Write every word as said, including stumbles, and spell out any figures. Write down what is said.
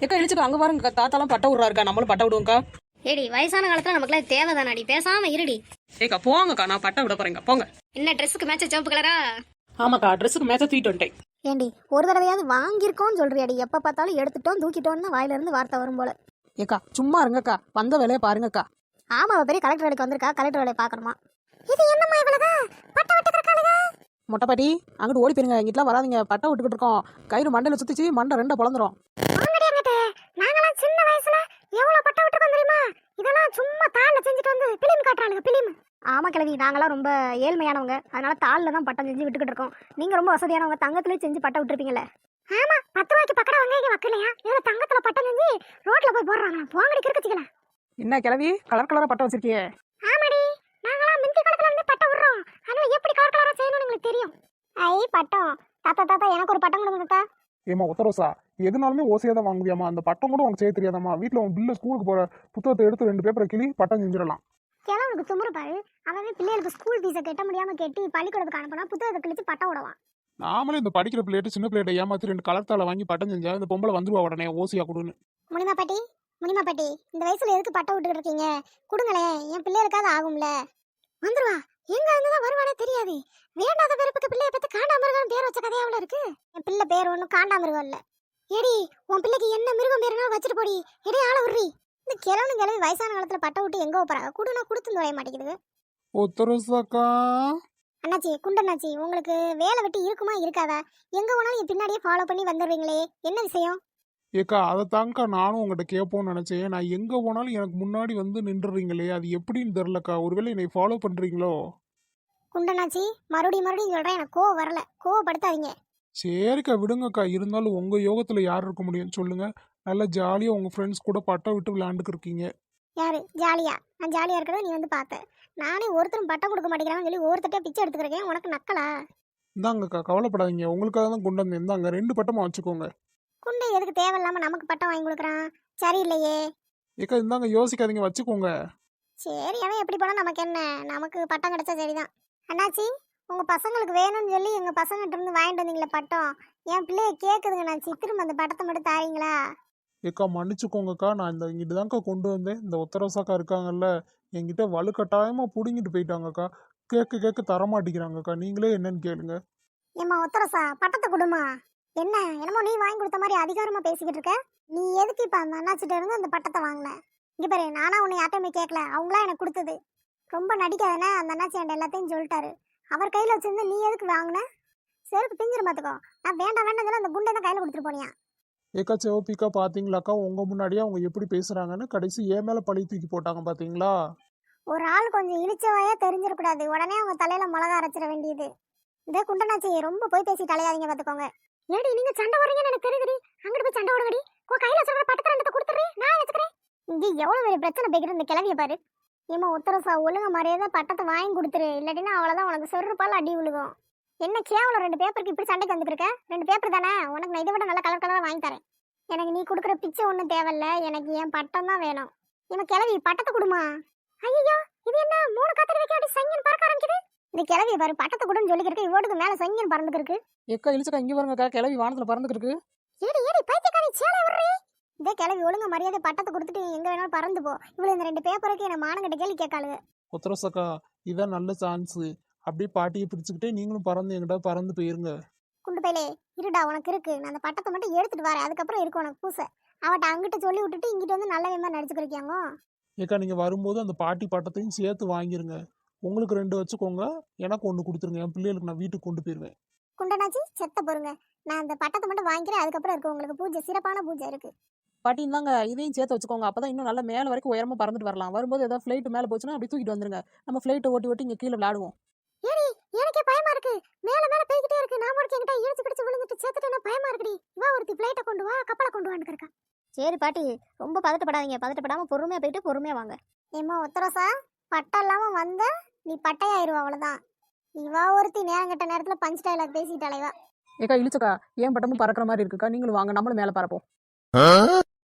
ஏக்கா இழிச்சுக்கா அங்க பாருங்க தாத்தாலாம் பட்டை விடுறா இருக்கா, நம்மளும் பட்டை விடுவோம்க்கா. ஏடி வயசான காலத்துல நமக்குலாம் தேவைதானாடி, பேசாம இருடி. ஏக்கா போங்கக்கா, நான் பட்டை விட போறேங்க போங்க. என்ன ட்ரெஸ்ஸுக்கு மேட்ச சிவப்பு கலரா? ஆமாக்கா ட்ரெஸ்ஸுக்கு மேட்சா தூக்கிட்டு வந்துட்டேன். ஏண்டி ஒரு தடவையாவது வாங்கியிருக்கோன்னு சொல்றியாடி? எப்ப பார்த்தாலும் எடுத்துட்டோம் தூக்கிட்டோம்னு வாயில இருந்து வார்த்தை வரும் போல. ஏக்கா சும்மா இருங்கக்கா, வந்த வேலையை பாருங்கக்கா. ஆமா, அவ பெரிய கலெக்டர் வேலைக்கு வந்திருக்கா, கலெக்டர் வேலையை பாக்கணுமா? இது என்னம்மா இவ்வளவு பட்டை விட்டுக்கிறக்காளுங்க? மொட்டைப்பாட்டி அங்கிட்டு ஓடி போயிருங்க, இங்கிட்டலாம் வராதிங்க, பட்டை விட்டுக்கிட்டு இருக்கோம். கயிறு மண்டையில சுத்திச்சு மண்டை ரெண்டை பொழந்துரும். நாங்களாம் சின்ன வயசுல எவ்வளவு பட்டை விட்டுருக்கோம் தெரியுமா? இதெல்லாம் சும்மா தாள்ல செஞ்சுட்டு வந்து பிலிம் காட்டுறாளுங்க பிலிம். ஆமா கிழவி, நாங்களாம் ரொம்ப ஏழ்மையானவங்க, அதனால தாள்ல தான் பட்டம் செஞ்சு விட்டுக்கிட்டு இருக்கோம். நீங்க ரொம்ப வசதியானவங்க, தங்கத்திலே செஞ்சு பட்டை விட்டுருப்பீங்கல்ல. ஆமா, பத்து ரூபாய்க்கு பக்கடை வெங்காயம் வைக்கலையா? இதுல தங்கத்துல பட்டம் செஞ்சு ரோட்ல போய் போடுறாங்க. போங்கடி கிறுக்குச்சிக்கல. என்ன கிழவி கலர் கலரா பட்டை வச்சிருக்கியே? ஆமாடி, நாங்களாம் முந்தி காலத்துல இருந்து பட்டம் விடுறோம், அதனால எப்படி கலர் கலரா செய்யணும்னு எங்களுக்கு தெரியும். ஐ பட்டம் தாத்தா, தாத்தா எனக்கு ஒரு பட்டம் கொடுங்க தாத்தா. ஏமா ஒத்தரோசா, எதுனாலுமே ஓசையா தான் வாங்குவியாமா? அந்த பட்டம் கூட உனக்கு செய்ய தெரியாதாமா? வீட்டில் உன் பிள்ளை ஸ்கூலுக்கு போற புத்தகத்தை எடுத்து ரெண்டு பேப்பரை கிளி பட்டம் செஞ்சிடலாம். கிழவனுக்கு துமுறு பாரு, அவன் பிள்ளைகளுக்கு ஸ்கூல் ஃபீஸை கட்ட முடியாம கட்டி பள்ளிக்கூடத்துக்கு அனுப்பினா புத்தகத்தை கிழிச்சு பட்டம் விடுவான். நாமளே இந்த படிக்கிற பிள்ளைகிட்ட சின்ன பிள்ளைகிட்ட ஏமாத்தி ரெண்டு கலர் தாளை வாங்கி பட்டம் செஞ்சா இந்த பொம்பளை வந்துருவா உடனே ஓசையா கொடுன்னு. முனிமா பாட்டி, முனிமா பாட்டி, இந்த வயசுல எதுக்கு பட்டம் விட்டுக்கிட்டு இருக்கீங்க? கொடுங்களேன், என் பிள்ளைகளுக்காவது ஆகும்ல. வந்துருவா, எங்க இருந்துதான் வருவானே தெரியாது. வேண்டாத பிறப்புக்கு பிள்ளைய பத்தி காண்டாமிருகம் பேர் வச்ச கதையாவில் இருக்கு. என் பிள்ளை பேர் ஒன்றும் காண்டாமிருகம் இல்ல. ஏடி உன் பிள்ளைக்கு என்ன மிருகம் பேருனா வச்சுட்டு போடி. எடி ஆள விடுறி. இந்த கிழவனு கிழவி வயசான காலத்துல பட்டை விட்டு எங்க போறாங்க? குடுனா கொடுத்து நுழைய மாட்டேங்குது. ஒத்தரோசாக்கா அண்ணாச்சி, குண்டண்ணாச்சி, உங்களுக்கு வேலை வெட்டி இருக்குமா இருக்காதா? எங்க போனாலும் என் பின்னாடியே ஃபாலோ பண்ணி வந்துடுறீங்களே, என்ன விஷயம்? ஏக்கா அதை தாங்கக்கா நானும் உங்கள்கிட்ட கேட்போன்னு நினைச்சேன். நான் எங்க போனாலும் எனக்கு முன்னாடி வந்து நின்றுறீங்களே, அது எப்படின்னு தெரிலக்கா. ஒருவேளை என்னை ஃபாலோ பண்றீங்களோ? குண்டண்ணாச்சி, மறுபடியும் மறுபடியும் சொல்றேன், எனக்கு கோவம் வரல, கோவப்படுத்தாதீங்க. சரிக்கா விடுங்கக்கா. இருந்தாலும் உங்க யோகத்துல யார் இருக்க முடியும் சொல்லுங்க? நல்லா ஜாலியா உங்க ஃப்ரெண்ட்ஸ் கூட பட்டம் விட்டு விளையாண்டுக்கு இருக்கீங்க. யாரு ஜாலியா? நான் ஜாலியா இருக்கிறத நீ வந்து பார்த்த. நானே ஒருத்தரும் பட்டம் கொடுக்க மாட்டேங்கிறான்னு சொல்லி ஒருத்தட்டே பிச்சை எடுத்துக்கிறேன். உனக்கு நக்கலா? இந்தாங்கக்கா கவலைப்படாதீங்க, உங்களுக்காக தான் கொண்டு வந்தேன். இந்தாங்க ரெண்டு பட்டமா வச்சுக்கோங்க. குண்டை எதுக்கு தேவையில்லாம நமக்கு பட்டம் வாங்கி கொடுக்குறான்? சரியில்லையே. ஏக்கா இந்தாங்க, யோசிக்காதீங்க, வச்சுக்கோங்க. சரி, அவன் எப்படி போனா நமக்கு என்ன? நமக்கு பட்டம் கிடைச்சா சரிதான். அண்ணாச்சி, உங்க பசங்களுக்கு வேணும்னு சொல்லி எங்க பசங்கிட்ட இருந்து வாங்கிட்டு வந்தீங்களே பட்டம், என் பிள்ளைய கேக்குதுங்க அண்ணாச்சி, திரும்ப அந்த பட்டத்தை மட்டும் தாரீங்களா? ஏக்கா மன்னிச்சுக்கோங்கக்கா, நான் இந்த இங்கிட்டு தான்க்கா கொண்டு வந்தேன். இந்த ஒத்தரோசாக்கா இருக்காங்கல்ல, என்கிட்ட வலுக்கட்டாயமா புடுங்கிட்டு போயிட்டாங்கக்கா. கேட்க கேட்க தரமாட்டிக்கிறாங்கக்கா. நீங்களே என்னன்னு கேளுங்க. ஏம்மா ஒத்தரசா, பட்டத்தை கொடுமா. என்ன என்னமோ நீ வாங்கி கொடுத்த மாதிரி அதிகாரமா பேசிக்கிட்டு இருக்க? நீ எதுக்கு இப்ப அந்த அண்ணாச்சிட்ட இருந்து அந்த பட்டத்தை வாங்கின? இங்க பாரு, நானா உன்னை யார்ட்டையுமே கேட்கல, அவங்களா எனக்கு கொடுத்தது. ரொம்ப நடிக்காதன, அந்த அண்ணாச்சி என்கிட்ட எல்லாத்தையும் சொல்லிட்டாரு. அவர் கையில வச்சிருந்து நீ எதுக்கு வாங்கின? செருப்பு பிஞ்சிரு பாத்துக்கோ. நான் வேண்டாம் வேண்டாம் சொல்ல அந்த குண்டை தான் கையில கொடுத்துட்டு போனியா? ஏக்கா சிவப்பிக்கா பாத்தீங்களாக்கா, உங்க முன்னாடியே அவங்க எப்படி பேசுறாங்கன்னு. கடைசி ஏன் மேல பழி தூக்கி போட்டாங்க பாத்தீங்களா? ஒரு ஆள் கொஞ்சம் இழிச்சவாயா தெரிஞ்சிடக்கூடாது, உடனே அவங்க தலையில மிளகா அரைச்சிட வேண்டியது. இந்த குண்டனாச்சி ரொம்ப போய் பேசி தலையாதீங்க பாத்துக்கோங்க. ஏடி நீங்க சண்டை போடுறீங்கன்னு எனக்கு தெரியுதுடி. அங்கிட்டு போய் சண்டை போடுங்கடி. கோ கையில வச்சிருக்கிற பட்டத்தை ரெண்டத்தை கொடுத்துறேன், நான் வச்சுக்கிறேன். இங்க எவ்வளவு பெரிய பிரச்சனை பேக்கிற இந்த கிளவிய பாரு. ஏமா உத்தரசா, ஒழுங்க மரியாதை பட்டத்தை வாங்கி கொடுத்துரு, இல்லாட்டினா அவ்வளவுதான், உனக்கு செருப்பால் அடி விழுகும். என்ன கேவலம், ரெண்டு பேப்பருக்கு இப்படி சண்டைக்கு வந்துருக்க? ரெண்டு பேப்பர் தானே, உனக்கு நான் இதை விட நல்ல கலர் கலரா வாங்கி தரேன். எனக்கு நீ கொடுக்குற பிச்சை ஒன்றும் தேவையில்ல, எனக்கு என் பட்டம் தான் வேணும். இவன் கிளவி பட்டத்தை கொடுமா. ஐயோ, இது என்ன மூணு காத்தடி வைக்க அப்படி சங்கின் பறக்க ஆரம்பிக்குது? இந்த கிளவி பாரு, பட்டத்தை கொடுன்னு சொல்லிக்கிருக்கு, இவோட்டுக்கு மேல சங்கின் பறந்துருக்கு. ஏக்கா இழிச்சக்கா இங்க பாருங்கக்கா, கிளவி வானத்துல பறந்துட்டு இருக்கு. ஏடி ஏடி பைத்தியக்காரி, சேலை விடுறீ. இந்த கிளவி ஒழுங்க மரியாதை பட்டத்தை கொடுத்துட்டு எங்க வேணாலும் பறந்து போ. இவ்வளவு இந்த ரெண்டு பேப்பருக்கு என்ன மானங்கிட்ட கேள்வி கேட்காளுங்க. ஒத்தரோசாக்கா இதான் நல்ல சான்ஸ். அப்படியே பாட்டியை பிடிச்சுக்கிட்டே நீங்களும் பறந்து எங்கிட்ட பறந்து போயிருங்க. குண்டு பையலே, இருடா, உனக்கு இருக்கு. நான் அந்த பட்டத்தை மட்டும் எடுத்துட்டு வரேன், அதுக்கப்புறம் இருக்கு உனக்கு பூசை. அவட்ட அங்கிட்ட சொல்லி விட்டுட்டு இங்கிட்ட வந்து நல்ல வேமா நடிச்சுக்கிறியாங்க. ஏக்கா நீங்க வரும்போது அந்த பாட்டி பட்டத்தையும் சேர்த்து வாங்கிருங்க. உங்களுக்கு ரெண்டு வச்சுக்கோங்க, எனக்கு ஒன்று கொடுத்துருங்க. என் பிள்ளைகளுக்கு நான் வீட்டுக்கு கொண்டு போயிருவேன். குண்டனாச்சி செத்த போருங்க, நான் அந்த பட்டத்தை மட்டும் வாங்கிக்கிறேன், அதுக்கப்புறம் இருக்கு உங்களுக்கு பூஜை, சிறப்பான பூஜை இருக்கு. பாட்டி இந்தாங்க, இதையும் சேர்த்து வச்சுக்கோங்க, அப்பதான் இன்னும் நல்லா மேல வரைக்கும் உயரமா பறந்துட்டு வரலாம். வரும்போது ஏதாவது ஃபிளைட் மேல போச்சுன்னா அப்படி தூக்கிட்டு வந்துருங்க. நம்ம ஃபிளைட்டை ஓட்டி ஓட்டி இங்க கீழே விளையாடுவோம். ஏடி எனக்கே பயமா இருக்கு, மேல மேல போய்கிட்டே இருக்கு. நான் ஒரு என்கிட்ட இழுச்சு பிடிச்சு விழுந்துட்டு சேர்த்துட்டு பயமா இருக்குடி. வா ஒருத்தி ஃபிளைட்டை கொண்டு வா, கப்பலை கொண்டு வான்னு இருக்கா. சரி பாட்டி, ரொம்ப பதட்டப்படாதீங்க, பதட்டப்படாம பொறுமையா போயிட்டு பொறுமையா வாங்க. ஏமா ஒத்தரசா, பட்டம் இல்லாம வந்த நீ பட்டையாயிருவா, அவ்வளவுதான். இவா ஒருத்தி நேரம் கட்ட நேரத்துல பஞ்ச் டைலாக் பேசிட்டாளேவா. ஏக்கா இழிச்சக்கா, ஏன் பட்டமும் பறக்கிற மாதிரி இருக்குக்கா, நீங்களும் வாங்க, நம்மளும் மேல பறப்போம்.